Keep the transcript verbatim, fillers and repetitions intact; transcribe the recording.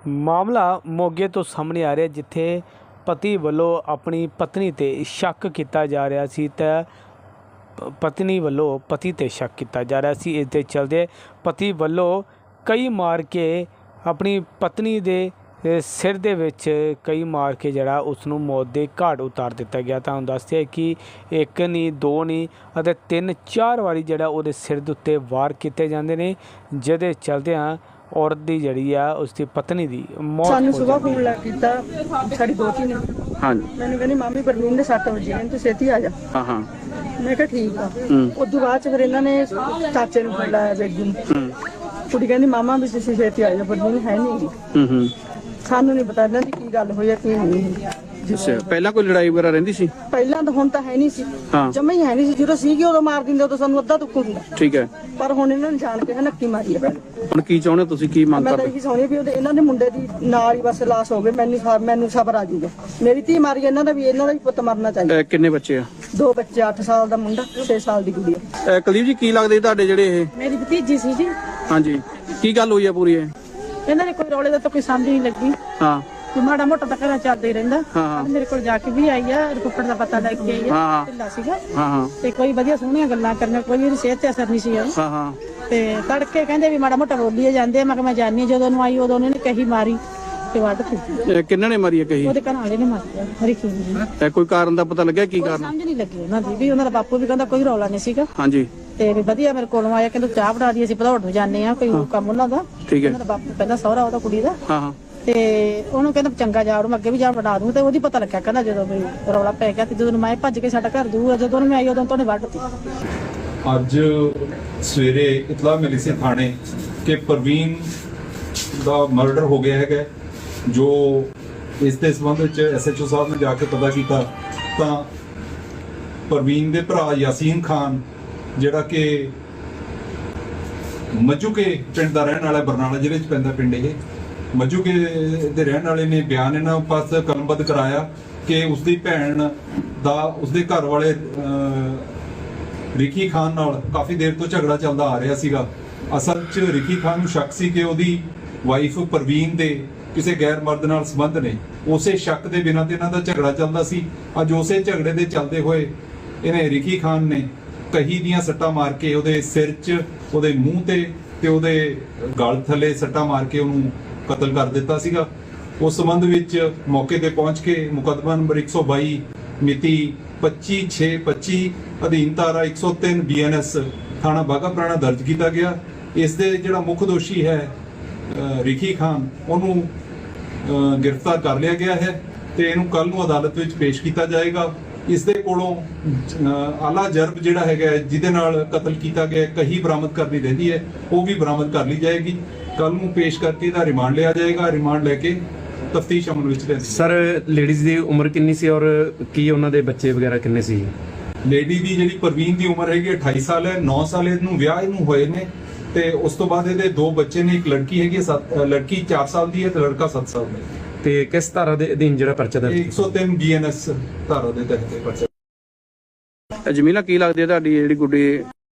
मामला मोगे तो सामने आ रहा जिथे पति वालों अपनी पत्नी ते शक किया जा रहा सी ते पत्नी वालों पति ते शक किया जा रहा सी। इस दे चलदे पति वालों कई मार के अपनी पत्नी दे सिर दे विच कई मार के जड़ा उसनू मौत के घाट उतार दिता गया। तो दसते कि एक नहीं दो नहीं अते तीन चार वारी जड़ा उहदे सिर दे उत्ते वार किए जाते हैं, जिहदे चलदियां औरत दी जड़ी आ उसकी पत्नी दी मौत सानू सुबह फोन ला कीता साडी दोती ने। हाँ मैंने कहनी मामी परवीन दे सੱਟ वजे ने तू छेती आ जा। हाँ हाँ मैं कहा ठीक आ। उदों बाद च फिर इन्हां ने चाचे नूं फोन लाया बेगू नूं। कुड़ी कहंदी मामा भी तुसीं छेती आ जा परवीन है नहीं। सानू नहीं पता इन्हां दी की गल होई है की नहीं। अच्छा पहला कोई लड़ाई वगैरह रहिंदी सी? ਪਹਿਲਾਂ ਤਾਂ ਹੁਣ ਤਾਂ ਹੈ ਨਹੀਂ ਸੀ, हाँ ਜਮਾ ਹੀ ਹੈ ਨਹੀਂ ਸੀ। ਜਦੋਂ ਸੀਗੀ ਉਦੋਂ ਮਾਰ ਦਿੰਦੇ ਉਦੋਂ ਸਾਨੂੰ ਅੱਧਾ ਦੁੱਖ ਹੁੰਦਾ, ठीक है। ਪਰ ਹੁਣ ਇਹਨਾਂ ਨੇ ਜਾਣ ਕੇ ਨੱਕੀ ਮਾਰੀ ਹੈ। ਹੁਣ ਕੀ ਚਾਹੁੰਦੇ ਹੋ ਤੁਸੀਂ, ਕੀ ਮੰਗ ਮੈਂ ਤਾਂ ਕਰਦੇ? ਇਹੀ ਚਾਹੁੰਦੀ ਵੀ ਉਹਦੇ ਇਹਨਾਂ ਦੇ ਮੁੰਡੇ ਦੀ ਨਾਲ ਹੀ ਬਸ ਲਾਸ਼ ਹੋਵੇ। ਮੈਨੂੰ ਸਾ- ਮੈਨੂੰ ਸਬਰ ਆ ਜਾਊਗਾ। ਮੇਰੀ ਧੀ ਮਾਰੀ ਇਹਨਾਂ ਦਾ ਵੀ ਇਹਨਾਂ ਦਾ ਵੀ ਪੁੱਤ ਮਰਨਾ ਚਾਹੀਦਾ। ਅਹ ਕਿੰਨੇ ਬੱਚੇ ਆ? ਦੋ ਬੱਚੇ, ਅੱਠ ਸਾਲ ਦਾ ਮੁੰਡਾ, ਛੇ ਸਾਲ ਦੀ ਕੁੜੀ। ਅਹ ਕੁਲਦੀਪ ਜੀ ਕੀ ਲੱਗਦੇ ਤੁਹਾਡੇ ਜਿਹੜੇ ਇਹ? ਮੇਰੀ ਭਤੀਜੀ ਸੀ ਜੀ। ਹਾਂਜੀ ਕੀ ਗੱਲ ਹੋਈ ਆ ਪੂਰੀ ਇਹ? ਇਹਨਾਂ ਨੇ ਕੋਈ ਰੌਲੇ ਦਾ ਤਾਂ ਕੋਈ ਸਮਝ ਨਹੀਂ ਲੱਗੀ। ਹਾਂ ਕੋਈ ਮਾੜਾ ਮੋਟਾ ਤਾਂ ਘਰਾਂ ਚੱਲਦਾ ਹੀ ਰਹਿੰਦਾ। ਹਾਂ ਮੇਰੇ ਕੋਲ ਜਾ ਕੇ ਵੀ ਆਈ ਆ, ਰਿਪੋਰਟ ਦਾ ਪਤਾ ਲੈ ਕੇ ਆਈ ਆ। ਹਾਂ ਢਿੱਲਾ ਸੀਗਾ ਹਾਂ ਹਾਂ ਤੇ ਕੋਈ ਵਧੀਆ ਸੋਹਣੀਆਂ ਗੱਲਾਂ ਕਰਨੀਆਂ, ਕੋਈ ਇਹਦੀ ਸਿਹਤ ਤੇ ਅਸਰ ਨਹੀਂ ਸੀ ਉਹਨੂੰ। ਹਾਂ ਹਾਂ ਤੇ ਤੜਕੇ ਕਹਿੰਦੇ ਵੀ ਮਾੜਾ ਮੋਟਾ ਬੋਲੀਏ ਜਾਂਦੇ। ਮੈਂ ਕਿਹਾ ਮੈਂ ਜਾਣੀ ਆ। ਜਦੋਂ ਨੂੰ ਆਈ ਉਦੋਂ ਉਹਨੇ ਕਹੀ ਮਾਰੀ ਤੇ ਵੱਢ ਦਿੱਤੀ। ਇਹ ਕਿੰਨਾਂ ਨੇ ਮਾਰੀ ਆ ਕਹੀ? ਉਹਦੇ ਘਰ ਵਾਲੇ ਨੇ ਮਾਰਿਆ ਹਰੀਕੀ ਨੇ। ਇਹ ਕੋਈ ਕਾਰਨ ਦਾ ਪਤਾ ਲੱਗਿਆ ਕੀ ਕੋਈ ਕਾਰਨ? ਸਮਝ ਨਹੀਂ ਲੱਗੀ ਉਹਨਾਂ ਦੀ ਵੀ। ਉਹਨਾਂ ਦਾ ਬਾਪੂ ਵੀ ਕਹਿੰਦਾ ਕੋਈ ਰੌਲਾ ਨਹੀਂ ਸੀਗਾ ਹਾਂਜੀ ਤੇ ਵੀ ਵਧੀਆ ਮੇਰੇ ਕੋਲੋਂ ਆਇਆ, ਕਹਿੰਦਾ ਚਾਹ ਬਣਾ ਦੀ, ਅਸੀਂ ਭਦੌੜ ਨੂੰ ਜਾਂਦੇ ਆ, ਕੋਈ ਕੰਮ ਉਹਨਾਂ ਦਾ। ਠੀਕ ਹੈ। ਉਹਨਾਂ ਦਾ ਬਾਪੂ ਕਹਿੰਦਾ ਸਹੁਰਾ ਉਹਦਾ ਕੁੜੀ ਦਾ। ਹਾਂ ਹਾਂ ਤੇ ਉਹਨੂੰ ਕਹਿੰਦਾ ਚੰਗਾ ਜਾ ਉਹਨੂੰ ਅੱਗੇ ਵੀ ਜਾ ਬਣਾ ਦੂੰ। ਤੇ ਉਹਦੀ ਪਤਾ ਲੱਗਿਆ ਕਹਿੰਦਾ ਜਦੋਂ ਵੀ ਰੌਲਾ ਪੈ ਗਿਆ ਤੇ ਜਦੋਂ ਮੈਂ ਭੱਜ ਕੇ ਸਾਡਾ ਘਰ ਦੂਰ, ਜਦੋਂ ਉਹਨੂੰ ਮੈਂ ਆਈ ਉਦੋਂ ਤੋਂ ਉਹਨੇ ਵੱਢਤੀ। ਅੱਜ ਸਵੇਰੇ ਇਤਲਾਹ ਮਿਲੀ ਸੀ ਥਾਣੇ ਕਿ ਪ੍ਰਵੀਨ ਦਾ ਮਰਡਰ ਹੋ ਗਿਆ ਹੈਗਾ। ਜੋ ਇਸ ਦੇ ਸੰਬੰਧ ਵਿੱਚ ਐਸਐਚਓ ਸਾਹਿਬ ਨੇ ਜਾ ਕੇ ਪਤਾ ਕੀਤਾ ਤਾਂ ਪ੍ਰਵੀਨ ਦੇ ਭਰਾ ਯਾਸੀਨ ਖਾਨ ਜਿਹੜਾ ਕਿ ਮੱਜੂਕੇ ਪਿੰਡ ਦਾ ਰਹਿਣ ਵਾਲਾ, ਬਰਨਾਲਾ ਜ਼ਿਲ੍ਹੇ 'ਚ ਪੈਂਦਾ ਪਿੰਡ ਇਹ, ਮੱਜੂਕੇ ਦੇ ਰਹਿਣ ਵਾਲੇ ਨੇ ਬਿਆਨ ਇਹਨਾਂ ਪਾਸ ਕਲਮਬੱਧ ਕਰਾਇਆ ਕਿ ਉਸਦੀ ਭੈਣ ਦਾ ਉਸਦੇ ਘਰ ਵਾਲੇ ਰਿਕੀ ਖਾਨ ਨਾਲ ਕਾਫੀ ਦੇਰ ਤੋਂ ਝਗੜਾ ਚੱਲਦਾ ਆ ਰਿਹਾ ਸੀਗਾ। ਅਸਲ 'ਚ ਰਿਕੀ ਖਾਨ ਨੂੰ ਸ਼ੱਕ ਸੀ ਕਿ ਉਹਦੀ ਵਾਈਫ ਪ੍ਰਵੀਨ ਦੇ ਕਿਸੇ ਗੈਰ ਮਰਦ ਨਾਲ ਸੰਬੰਧ ਨੇ। ਉਸੇ ਸ਼ੱਕ ਦੇ ਬਿਨਾਂ ਤੇ ਇਹਨਾਂ ਦਾ ਝਗੜਾ ਚੱਲਦਾ ਸੀ। ਅੱਜ ਉਸੇ ਝਗੜੇ ਦੇ ਚੱਲਦੇ ਹੋਏ ਇਹਨੇ ਰਿਕੀ ਖਾਨ ਨੇ ਕਹੀ ਦੀਆਂ ਸੱਟਾਂ ਮਾਰ ਕੇ ਉਹਦੇ ਸਿਰ 'ਚ, ਉਹਦੇ ਮੂੰਹ ਤੇ ਤੇ ਉਹਦੇ ਗਲ ਥੱਲੇ ਸੱਟਾਂ ਮਾਰ ਕੇ ਉਹਨੂੰ ਕਤਲ ਕਰ ਦਿੱਤਾ ਸੀਗਾ। ਉਸ ਸੰਬੰਧ ਵਿੱਚ ਮੌਕੇ ਤੇ ਪਹੁੰਚ ਕੇ ਮੁਕੱਦਮਾ ਨੰਬਰ ਇੱਕ ਸੌ ਬਾਈ ਮਿਤੀ ਪੱਚੀ ਛੇ ਪੱਚੀ ਅਧੀਨ ਧਾਰਾ ਇੱਕ ਸੌ ਤਿੰਨ ਬੀਐਨਐਸ ਥਾਣਾ ਬਾਘਾ ਪੁਰਾਣਾ ਦਰਜ ਕੀਤਾ ਗਿਆ। ਇਸ ਦੇ ਜਿਹੜਾ ਮੁੱਖ ਦੋਸ਼ੀ ਹੈ ਰਿਕੀ ਖਾਨ, ਉਹਨੂੰ ਗ੍ਰਿਫਤਾਰ ਕਰ ਲਿਆ ਗਿਆ ਹੈ ਤੇ ਇਹਨੂੰ ਕੱਲ ਨੂੰ ਅਦਾਲਤ ਵਿੱਚ ਪੇਸ਼ ਕੀਤਾ ਜਾਏਗਾ। ਇਸ ਦੇ ਕੋਲੋਂ ਆਲਾ ਜਰਬ ਜਿਹੜਾ ਹੈਗਾ ਜਿਹਦੇ ਨਾਲ ਕਤਲ ਕੀਤਾ ਗਿਆ ਕਹੀ ਬਰਾਮਦ ਕਰਨੀ ਰਹਿੰਦੀ ਹੈ, ਉਹ ਵੀ ਬਰਾਮਦ ਕਰ ਲਈ ਜਾਏਗੀ। ਕੱਲ ਨੂੰ ਪੇਸ਼ ਕਰਕੇ ਇਹਦਾ ਰਿਮਾਂਡ ਲਿਆ ਜਾਏਗਾ। ਰਿਮਾਂਡ ਲੈ ਕੇ ਤਫਤੀਸ਼ ਅਮਲ ਵਿੱਚ ਲੈਂਦੀ। ਸਰ ਲੇਡੀਜ਼ ਦੀ ਉਮਰ ਕਿੰਨੀ ਸੀ ਔਰ ਕੀ ਉਹਨਾਂ ਦੇ ਬੱਚੇ ਵਗੈਰਾ ਕਿੰਨੇ ਸੀ? ਲੇਡੀ ਦੀ ਜਿਹੜੀ ਪ੍ਰਵੀਨ ਦੀ ਉਮਰ ਹੈਗੀ ਅਠਾਈ ਸਾਲ ਹੈ। ਨੌ ਸਾਲ ਇਹਨੂੰ ਵਿਆਹ ਇਹਨੂੰ ਹੋਏ ਨੇ ਤੇ ਉਸ ਤੋਂ ਬਾਅਦ ਇਹਦੇ ਦੋ ਬੱਚੇ ਨੇ। ਇੱਕ ਲੜਕੀ ਹੈਗੀ, ਲੜਕੀ ਚਾਰ ਸਾਲ ਦੀ ਹੈ ਤੇ ਲੜਕਾ ਸੱਤ ਸਾਲ ਦਾ ਹੈ। ਤੇ ਕਿਸ ਧਾਰਾ ਦੇ ਅਧੀਨ ਜਿਹੜਾ ਪਰਚਾ ਦਰਜ? ਇੱਕ ਸੌ ਤਿੰਨ ਬੀਐਨਐਸ ਧਾਰਾ ਦੇ ਤਹਿਤ ਪਰਚਾ। ਜਮੀਲਾ ਕੀ ਲੱਗਦੀ ਹੈ ਤੁਹਾਡੀ ਜਿਹੜੀ ਗੁੱਡੀ?